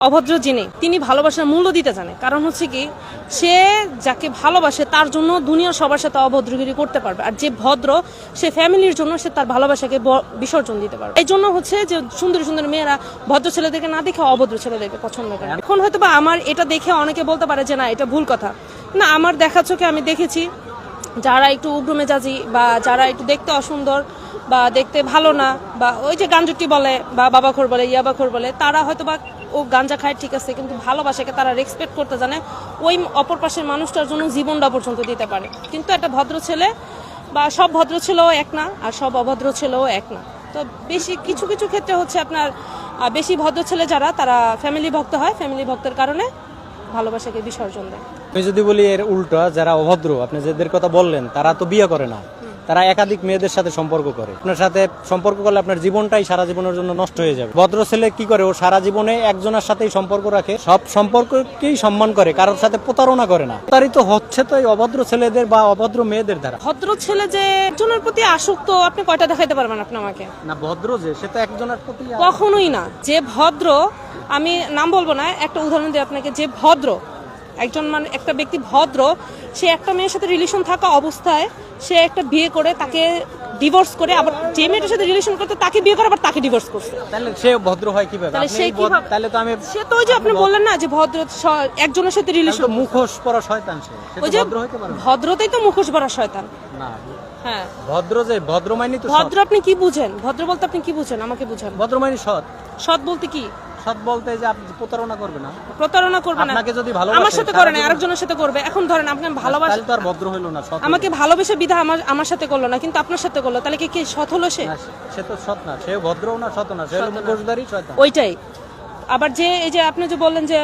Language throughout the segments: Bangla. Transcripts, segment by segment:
অভদ্র যিনি তিনি ভালোবাসার মূল্য দিতে জানে। কারণ হচ্ছে কি, সে যাকে ভালোবাসে তার জন্য দুনিয়ার সবার সাথে অভদ্রগিরি করতে পারবে, আর যে ভদ্র সে ফ্যামিলির জন্য সে তার ভালোবাসাকে বিসর্জন দিতে পারবে। এই জন্য হচ্ছে যে সুন্দর সুন্দর মেয়েরা ভদ্র ছেলেদেরকে না দেখে অভদ্র ছেলেদেরকে পছন্দ করে। এখন হয়তো বা আমার এটা দেখে অনেকে বলতে পারে যে না এটা ভুল কথা, না আমার দেখা চোখে আমি দেখেছি যারা একটু উগ্র মেজাজি বা যারা একটু দেখতে অসুন্দর বা দেখতে ভালো না, বা ওই যে গাঞ্জুটি বলে বা বাবাখোর বলে ইয়াবাখোর বলে, তারা হয়তো বা ও গাঞ্জা খায় ঠিক আছে, কিন্তু ভালোবাসাকে তারা রেসপেক্ট করতে জানে, ওই অপর পাশের মানুষটার জন্য জীবনটা পর্যন্ত দিতে পারে। কিন্তু একটা ভদ্র ছেলে বা সব ভদ্র ছেলেও এক না, আর সব অভদ্র ছেলেও এক না। তো বেশি কিছু কিছু ক্ষেত্রে হচ্ছে আপনার বেশি ভদ্র ছেলে যারা, তারা ফ্যামিলি ভক্ত হয়, ফ্যামিলি ভক্তের কারণে ভালোবাসাকে বিসর্জন দেয়। আমি যদি বলি এর উল্টা, যারা অভদ্র আপনি যাদের কথা বললেন, তারা তো বিয়ে করে না, তারা একাধিক মেয়েদের সাথে সম্পর্ক করে। আপনার সাথে সম্পর্ক করলে আপনার জীবনটাই সারা জীবনের জন্য নষ্ট হয়ে যাবে। ভদ্র ছেলে কি করে, ও সারা জীবনে একজনের সাথেই সম্পর্ক রাখে, সব সম্পর্ককেই সম্মান করে, কারোর সাথে প্রতারণা করে না। প্রতারিত হচ্ছে তো এই অভদ্র ছেলেদের বা অভদ্র মেয়েদের দ্বারা। ভদ্র ছেলে যে একজনের প্রতি আসক্ত, আপনি কয়টা দেখাইতে পারবেন আপনি আমাকে? না, ভদ্র যে সে তো একজনের প্রতি কখনোই না। যে ভদ্র, আমি নাম বলবো না, একটা উদাহরণ দিই আপনাকে। যে ভদ্র একজন মানে একটা ব্যক্তি ভদ্র, সে একটা মেয়ের সাথে রিলেশন থাকা অবস্থায় সে একটা বিয়ে করে তাকে ডিভোর্স করে, আবার যে মেয়েটার সাথে রিলেশন করতে তাকে বিয়ে করে আবার তাকে ডিভোর্স করছে। তাহলে সে ভদ্র হয় কিভাবে? তাহলে সে কিভাবে? তাহলে তো আমি সে তো ওই যে আপনি বললেন না যে ভদ্র একজনের সাথে রিলেশন, মুখোশ পরা শয়তান সে। ওই যে ভদ্র হইতে পারে না। ভদ্রতেই তো মুখোশ পরা শয়তান। না, হ্যাঁ ভদ্র যে ভদ্র মানে তো ভদ্র। আপনি কি বুঝেন ভদ্র বলতে? আপনি কি বুঝেন আমাকে বুঝান। ভদ্র মানে সৎ। সৎ বলতে কি? সৎ বলতে যে আপনি প্রতারণা করবে না। প্রতারণা করবে না। আপনাকে যদি ভালোবাসে, আমার সাথে করে না, আরেকজনের সাথে করবে। এখন ধরেন আপনি ভালোবাসেন, তাহলে তো আর ভদ্র হইলো না, সৎ। আমাকে ভালোবেসে বিধা আমার সাথে করলো না, কিন্তু আপনার সাথে করলো, তাহলে কি সৎ হলো? সে তো সৎ না, সে ভদ্রও না, সৎ না, সে হলো মুখোশধারী শয়তান। ওইটাই। আবার যে এই যে আপনি যে বললেন যে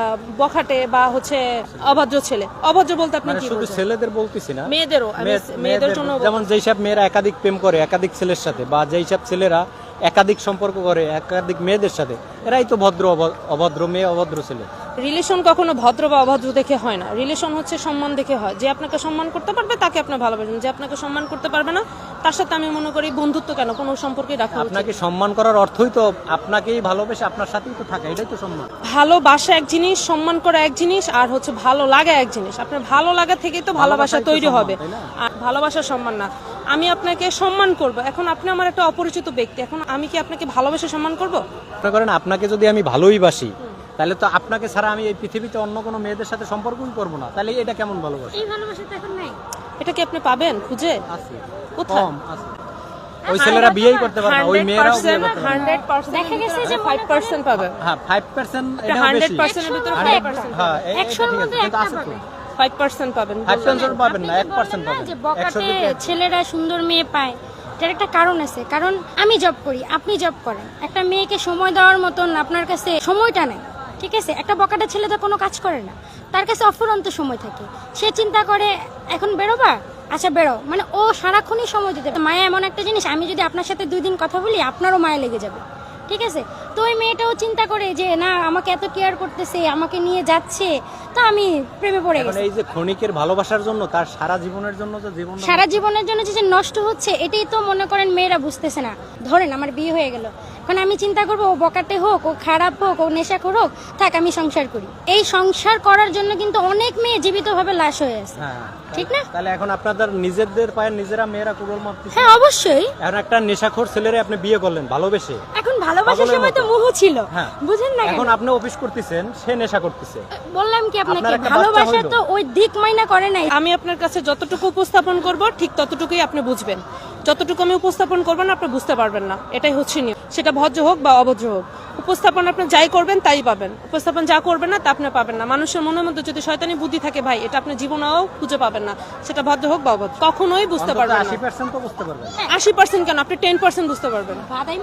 বখাটে বা হচ্ছে অভদ্র ছেলে, অভদ্র বলতে আপনি কি শুধু বুঝেন? ছেলেদের বলতেছি না, মেয়েদেরও, মেয়েদের জন্য। যেমন যেই সব মেয়েরা একাধিক প্রেম করে একাধিক ছেলের সাথে, বা যেই সব ছেলেরা একাধিক সম্পর্ক করে একাধিক মেয়েদের সাথে, এরাই তো ভদ্র অভদ্র মেয়ে, অভদ্র ছেলে। রিলেশন কখনো ভদ্র বা অভদ্র দেখে হয় না, রিলেশন হচ্ছে সম্মান দেখে হয়। যে আপনাকে সম্মান করতে পারবে তাকে আপনি ভালোবাসেন, যে আপনাকে সম্মান করতে পারবে না তার সাথে আমি মনে করি বন্ধুত্ব কেন, কোনো সম্পর্কই রাখা উচিত। আপনাকে সম্মান করার অর্থই তো আপনাকেই ভালোবেসে আপনার সাথেই তো থাকা, এটাই তো সম্মান। ভালোবাসা এক জিনিস, সম্মান করা এক জিনিস, আর হচ্ছে ভালো লাগা এক জিনিস। আপনার ভালো লাগা থেকেই তো ভালোবাসা তৈরি হবে, আর ভালোবাসা সম্মান না। আমি আপনাকে সম্মান করব, এখন আপনি আমার একটা অপরিচিত ব্যক্তি, এখন আমি কি আপনাকে ভালোবেসে সম্মান করব? মনে করেন আপনাকে যদি আমি ভালোই বাসি, তাহলে তো আপনাকে ছাড়া আমি এই পৃথিবীতে অন্য কোনো মেয়েদের সাথে সম্পর্কই করব না, তাহলে এটা কেমন ভালোবাসা? এই ভালোবাসা তো এখন নাই। এটা কি আপনি পাবেন খুঁজে? আছে, কোথায়? কম আছে। ওই ছেলেরা বিয়েই করতে পারে না, ওই মেয়েরাও বিয়ে করতে পারে না। 100% দেখা গেছে যে 5% পাবে। হ্যাঁ, 5% এটাও বেশি। 100% এর ভিতরে 5%। হ্যাঁ, 100 এর মধ্যে কিন্তু আছে তো। 5% পাবেন। 5% পাবেন না, 1% না পাবেন। যে বকাটে ছেলেরা সুন্দর মেয়ে পায়, এটার একটা কারণ আছে। কারণ আমি জব করি, আপনি জব করেন, একটা মেয়েকে সময় দেওয়ার মতন আপনার কাছে সময়টা নেই, ঠিক আছে? একটা বকাটা ছেলে তো কোনো কাজ করে না, তার কাছে অফুরন্ত সময় থাকে। সে চিন্তা করে এখন বেরোবা, আচ্ছা বেরো, মানে ও সারাক্ষণই সময় দিতে। মায়া এমন একটা জিনিস, আমি যদি আপনার সাথে 2 দিন কথা বলি আপনারও মায়া লেগে যাবে, ঠিক আছে? তো ওই মেয়েটাও চিন্তা করে যে না আমাকে এত কেয়ার করতেছে, আমাকে নিয়ে যাচ্ছে, তো আমি প্রেমে পড়ে গেছি। এই যে ক্ষণিকের ভালোবাসার জন্য তার সারা জীবনের জন্য যে জীবন, সারা জীবনের জন্য যে নষ্ট হচ্ছে, এটাই তো মনে করেন মেয়েরা বুঝতেছে না। ধরেন আমার বিয়ে হয়ে গেল, এখন আমি চিন্তা করবো ও বকাটে হোক, ও খারাপ হোক, ও নেশাখোর হোক, থাক আমি সংসার করি। এই সংসার করার জন্য কিন্তু অনেক মেয়ে জীবিতভাবে লাশ হয়ে আছে, ঠিক না? তাহলে এখন আপনাদের নিজেদের পায়ে নিজেরা মেয়েরা কুড়োল মারতেছে। হ্যাঁ অবশ্যই। এখন একটা নেশাখোর ছেলেরে আপনি বিয়ে করলেন ভালোবেসে, এখন ভালোবাসার সময় তো মোহ ছিল, বুঝেন না? এখন আপনি অফিস করতেছেন, সে নেশা করতেছে। বললাম কি আপনাকে, ভালোবাসা তো ওই দিক মাইনা করে নাই। আমি আপনার কাছে যতটুকু উপস্থাপন করব ঠিক ততটুকুই আপনি বুঝবেন, যতটুকু আমি উপস্থাপন করবেন আপনি বুঝতে পারবেন না, এটাই হচ্ছে নিয়ম। সেটা ভদ্র হোক বা অভদ্র হোক, উপস্থাপন আপনি যাই করবেন তাই পাবেন, উপস্থাপন যা করবেন না তা আপনি পাবেন না। মানুষের মনের মধ্যে যদি শয়তানি বুদ্ধি থাকে ভাই, এটা আপনি জীবনেও খুঁজে পাবেন না, সেটা ভদ্র হোক বা অভদ্র, কখনোই বুঝতে পারবেন না। 80% তো বুঝতে পারবেন। 80% কেন, আপনি 10% বুঝতে পারবেন।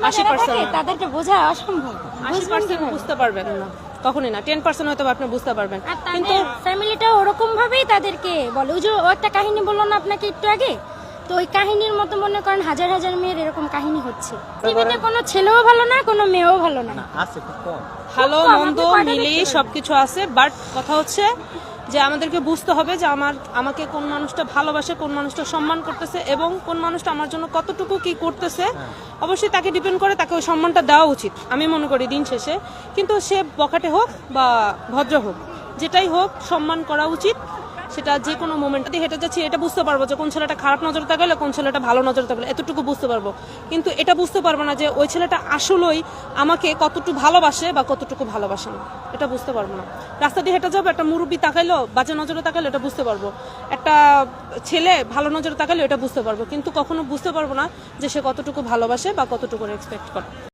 80% তাদেরকে বোঝা অসম্ভব। 80% বুঝতে পারবেন না, কখনোই না। 10% হয়তো আপনি বুঝতে পারবেন, কিন্তু ফ্যামিলিটা ওরকম ভাবেই তাদেরকে বলে। ওই যে ও একটা কাহিনী বললো না আপনাকে একটু আগে, তো ওই কাহিনীর মতো মনে করেন হাজার হাজার মেয়ের এরকম কাহিনী হচ্ছে। পৃথিবীতে কোনো ছেলেও ভালো না, কোনো মেয়েও ভালো না, আছে খুব কম। ভালো মন্দ মিলিয়ে সবকিছু আছে। বাট কথা হচ্ছে যে আমাদেরকে বুঝতে হবে যে আমাকে কোন মানুষটা ভালোবাসে, কোন মানুষটা সম্মান করতেছে এবং কোন মানুষটা আমার জন্য কতটুকু কি করতেছে। অবশ্যই তাকে ডিপেন্ড করে, তাকে ওই সম্মানটা দেওয়া উচিত আমি মনে করি দিন শেষে। কিন্তু সে বখাটে হোক বা ভদ্র হোক, যেটাই হোক সম্মান করা উচিত। সেটা যে কোনো মোমেন্টে হেঁটে যাচ্ছি এটা বুঝতে পারবো যে কোন ছেলেটা খারাপ নজরে তাকালে, কোন ছেলেটা ভালো নজরে তাকালে, এতটুকু বুঝতে পারবো। কিন্তু এটা বুঝতে পারবো না যে ওই ছেলেটা আসলেই আমাকে কতটুকু ভালোবাসে বা কতটুকু ভালোবাসে না, এটা বুঝতে পারবো না। রাস্তা দিয়ে হেঁটে যাবো, একটা মুরব্বি তাকাইলো, বাজে নজরে তাকাইলো, এটা বুঝতে পারবো। একটা ছেলে ভালো নজরে তাকাইলো, এটা বুঝতে পারবো। কিন্তু কখনো বুঝতে পারবো না যে সে কতটুকু ভালোবাসে বা কতটুকু এক্সপেক্ট করে।